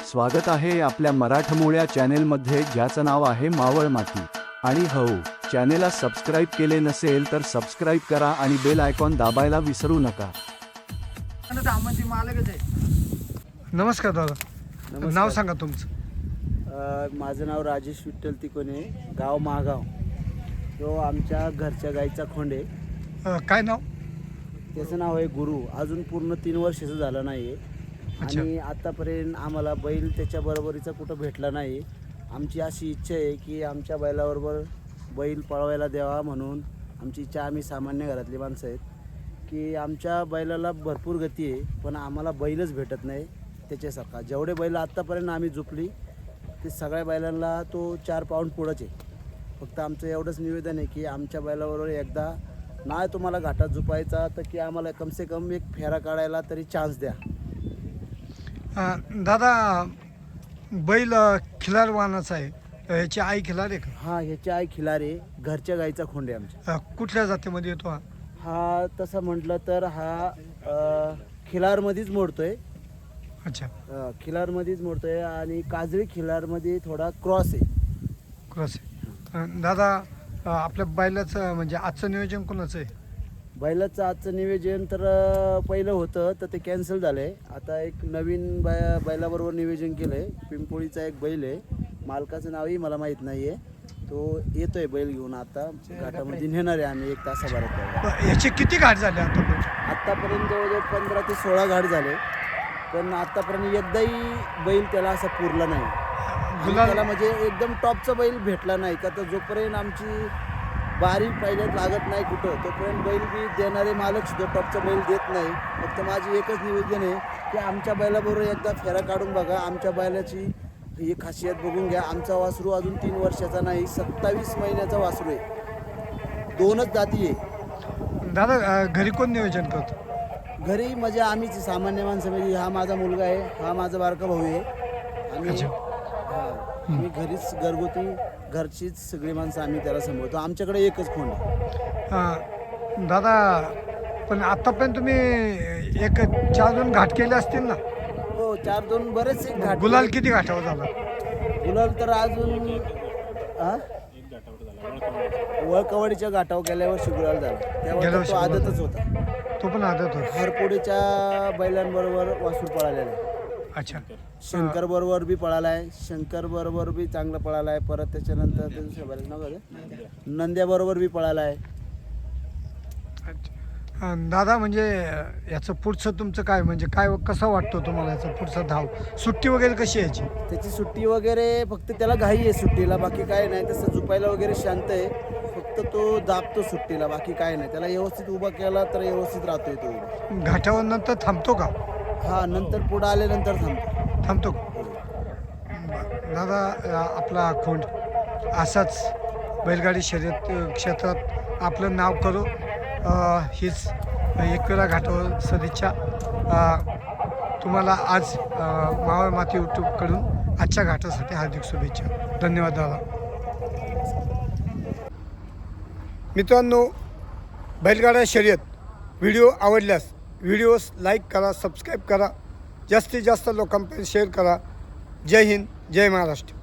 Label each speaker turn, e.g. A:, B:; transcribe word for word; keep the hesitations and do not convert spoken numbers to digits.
A: स्वागत आहे आपल्या मराठमोळ्या चॅनेलमध्ये, ज्याचं नाव आहे मावळ माती. आणि हो, चॅनेलला सबस्क्राईब केले नसेल तर सबस्क्राईब करा आणि बेल आयकॉन दाबायला विसरू नका.
B: नमस्कार दादा,
C: नमस्कार.
B: नाव सांगा तुमचं.
C: अ, माझं नाव राजेश विठ्ठल तिकोने, गाव महागाव. तो आमच्या घरच्या गाईचा खोंड आहे.
B: अ, काय नाव?
C: त्याचं नाव आहे गुरु. अजून पूर्ण तीन वर्षाचं झालं नाही आहे
B: अच्छा.
C: आणि आतापर्यंत आम्हाला बैल त्याच्या बरोबरीचा कुठं भेटला नाही. आमची अशी इच्छा आहे की आमच्या बैलाबरोबर बैल पळवायला द्यावा म्हणून आमची इच्छा. आम्ही सामान्य घरातली माणसं आहेत की आमच्या बैलाला भरपूर गती आहे, पण आम्हाला बैलच भेटत नाही त्याच्यासारखा. जेवढे बैल आत्तापर्यंत आम्ही झोपली ते सगळ्या बैलांना तो चार पाऊंड पुढंच आहे. फक्त आमचं एवढंच निवेदन आहे की आमच्या बैलाबरोबर एकदा नाही तुम्हाला घाटात झोपायचा तर की आम्हाला कमसे कम एक फेरा काढायला तरी चान्स द्या.
B: अ, दादा, बैल अ, खिलार वाहनाचा आहे. अ, याची आई खिलार आहे का?
C: हा, ह्याची आई खिलारे, घरच्या गाईचा खोंड आहे आमच्या.
B: अ, कुठल्या जातीमध्ये येतो हा?
C: हा तसं म्हटलं तर हा अ, खिलारमध्येच मोडतोय.
B: अच्छा,
C: अ, खिलारमध्येच मोडतोय आणि काजळी खिलारमध्ये थोडा क्रॉस आहे.
B: क्रॉस आहे. अ, दादा, अ, आपल्या बैलाचं म्हणजे आजचं नियोजन कोणाचं आहे?
C: बैलाचं आजचं नियोजन तर अ, पहिलं होतं तर ते कॅन्सल झालं आहे. आता एक नवीन बै बैलाबरोबर नियोजन केलं आहे. पिंपोळीचा एक बैल आहे, मालकाचं नावही मला माहीत नाही आहे. तो येतोय बैल घेऊन, आता घाटामध्ये नेणार आहे आम्ही एक तासाभरात.
B: अ, याचे किती घाट झाले आता?
C: आत्तापर्यंत जवळजवळ पंधरा ते सोळा घाट झाले, पण आत्तापर्यंत एकदाही बैल त्याला असा पुरला नाही. आणि
B: गुलाल
C: त्याला म्हणजे एकदम टॉपचा बैल भेटला नाही का. तर जोपर्यंत आमची बारी पहिल्यात लागत नाही कुठं, तोपर्यंत बैल बी देणारे मालक सुद्धा टॉपचा बैल देत नाही. फक्त माझी एकच निवेदन आहे की आमच्या बैलाबरोबर एकदा फेरा काढून बघा. आमच्या बैलाची ही खासियत बघून घ्या. आमचा वासरू अजून तीन वर्षाचा नाही, सत्तावीस महिन्याचा वासरू आहे. दोनच जाती आहे.
B: दादा, अ, घरी कोण नियोजन करतो?
C: घरी म्हणजे आम्हीच सामान्य माणसं. म्हणजे हा माझा मुलगा आहे, हा माझा बारका भाऊ आहे. आम्ही
B: अच्छा.
C: हा, आम्ही घरीच घरगुती घरचीच सगळी माणसं आम्ही त्याला सांभाळतो. आमच्याकडे एकच खोंड आहे.
B: अ, दादा, पण आतापर्यंत तुम्ही एक चार दोन घाट केले असतील ना?
C: हो, चार दोन बरेच एक घाट.
B: गुलाल किती घाटावर झाला?
C: गुलाल तर अजून हा वळकवाडीच्या घाटावर गेल्या वर्षी गुलाल झाला.
B: गेल्या
C: त्यावर
B: वर्षी
C: तो
B: गुलाल
C: आदतच होता.
B: तो पण आदत होता.
C: हरपोडीच्या बैलांबरोबर वासूर पळालेला आहे.
B: अच्छा.
C: शंकर बरोबर बी पळाला आहे. शंकर बरोबर बी चांगला पळाला आहे. परत त्याच्यानंतर ते दुसऱ्या बैलाचं नाव काय? नंद्या बरोबर बी पळाला आहे.
B: अच्छा. अं, दादा, म्हणजे याचं पुढचं तुमचं काय, म्हणजे काय कसं वाटतं तुम्हाला याचं पुढचं धाव? सुट्टी वगैरे कशी आहे याची?
C: त्याची सुट्टी वगैरे फक्त त्याला घाई आहे सुट्टीला, बाकी काय नाही. तसं झुपायला वगैरे शांत आहे. फक्त तो दाबतो सुट्टीला, बाकी काय नाही. त्याला व्यवस्थित उभा केला तर व्यवस्थित राहतोय तो.
B: घाटावर नंतर थांबतो का?
C: हा, नंतर पुढं आल्यानंतर थांबतो.
B: थांबतो का? बरं. दादा, अं, आपला खोंड असाच बैलगाडी शर्यत अं, क्षेत्रात आपलं नाव करू, अं, हीच एकविरा घाटावर सदिच्छा. अं, तुम्हाला आज अं, मावळ माती यूट्यूबकडून आजच्या घाटासाठी हार्दिक शुभेच्छा. धन्यवाद दादा. मित्रांनो, बैलगाडा शर्यत व्हिडिओ आवडल्यास व्हिडिओस लाईक करा, सबस्क्राईब करा, जास्तीत जास्त लोकांपर्यंत शेअर करा. जय हिंद, जय महाराष्ट्र.